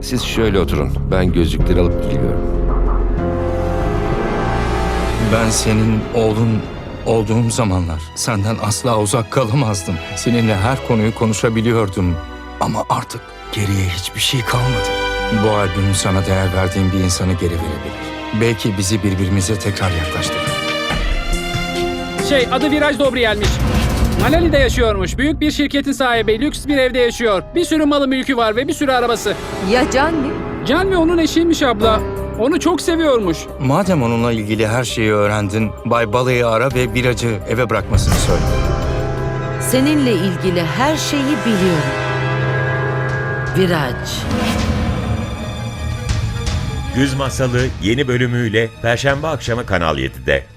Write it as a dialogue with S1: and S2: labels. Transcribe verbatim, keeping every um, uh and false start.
S1: Siz şöyle oturun. Ben gözlükleri alıp geliyorum.
S2: Ben senin oğlun olduğum zamanlar senden asla uzak kalamazdım. Seninle her konuyu konuşabiliyordum. Ama artık geriye hiçbir şey kalmadı. Bu albüm sana değer verdiğim bir insanı geri verebilir. Belki bizi birbirimize tekrar yaklaştırır.
S3: Şey, adı Viraj Dobriyel'miş. Manali'de yaşıyormuş. Büyük bir şirketin sahibi, lüks bir evde yaşıyor. Bir sürü malı mülkü var ve bir sürü arabası.
S4: Ya Canvi?
S3: Canvi onun eşiymiş abla. Onu çok seviyormuş.
S2: Madem onunla ilgili her şeyi öğrendin, Bay Balayı ara ve Viraj'ı eve bırakmasını söyle.
S4: Seninle ilgili her şeyi biliyorum. Viraj.
S5: Güz Masalı yeni bölümüyle Perşembe akşamı Kanal yedide.